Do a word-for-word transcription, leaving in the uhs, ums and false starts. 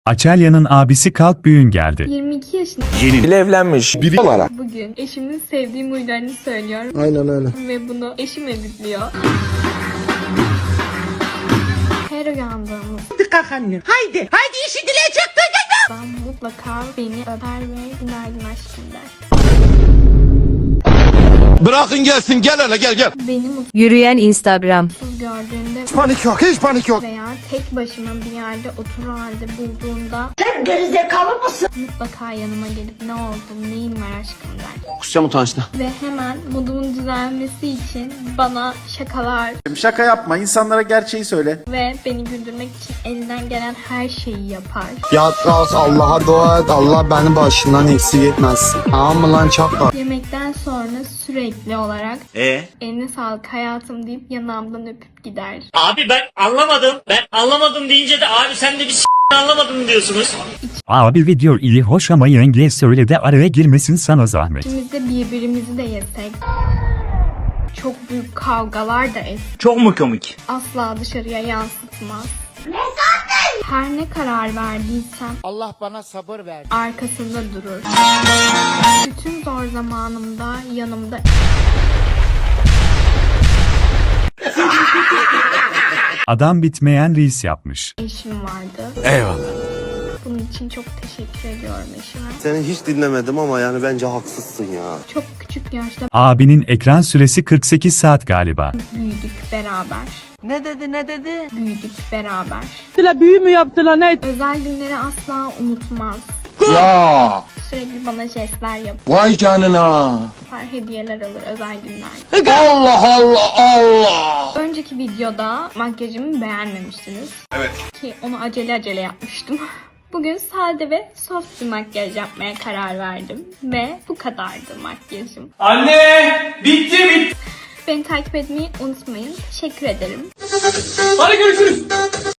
Açelya'nın abisi Kalk Büyün geldi. yirmi iki yaşında. Yeni bile evlenmiş biri olarak. Bugün eşimin sevdiğim huylarını söylüyor. Aynen öyle. Ve bunu eşim editliyor. Her uyandığımız Kalk annem. Haydi. Haydi işi dile çıktı. ben mutlaka beni öper ve günaydın aşkım der. Bırakın gelsin, gel hele gel gel. Beni mutsuz Yürüyen Instagram. gördüğünde Panik yok, hiç panik yok. veya tek başıma bir yerde oturur halde bulduğunda Sen gerizekalı mısın? mutlaka yanıma gelip ne oldu, neyin var aşkım der. Kusacağım utançtan. Ve hemen modumun düzelmesi için bana şakalar Şaka yapma, insanlara gerçeği söyle. ve beni güldürmek için elinden gelen her şeyi yapar. Yat kalk, Allah'a dua et, Allah beni başından eksik etmez. Tamam mı lan çapla? Yemekten sonra sürekli olarak E eline sağlık hayatım deyip yanağımdan öpüp gider. Abi ben anlamadım. Ben anlamadım deyince de abi sen de bir s*** anlamadın diyorsunuz. Abi video iyi hoş ama yenge söyle de araya girmesin sana zahmet. İkimiz de birbirimizi de yesek. Çok büyük kavgalar da etsek. Çok mu komik? Asla dışarıya yansıtmaz. Her ne karar verdiysem Allah bana sabır ver. arkasında durur. Bütün zor zamanımda yanımda Adam bitmeyen reis yapmış. eşim vardı. eyvallah. Bunun için çok teşekkür ediyorum eşime. Seni hiç dinlemedim ama yani bence haksızsın ya. Çok küçük yaşta Abinin ekran süresi kırk sekiz saat galiba. büyüdük beraber. Ne dedi ne dedi? Büyüdük beraber. Yaptılar büyü mü yaptılar ne? Özel günleri asla unutmaz. Ya Sürekli bana jestler yapar, vay canına. hediyeler alır özel günlerde. Allah Allah Allah. Önceki videoda makyajımı beğenmemiştiniz. Evet. Ki onu acele acele yapmıştım. Bugün sade ve soft bir makyaj yapmaya karar verdim. Ve bu kadardı makyajım. Anne! Bitti bitti. Beni takip etmeyi unutmayın. Teşekkür ederim. Hadi görüşürüz.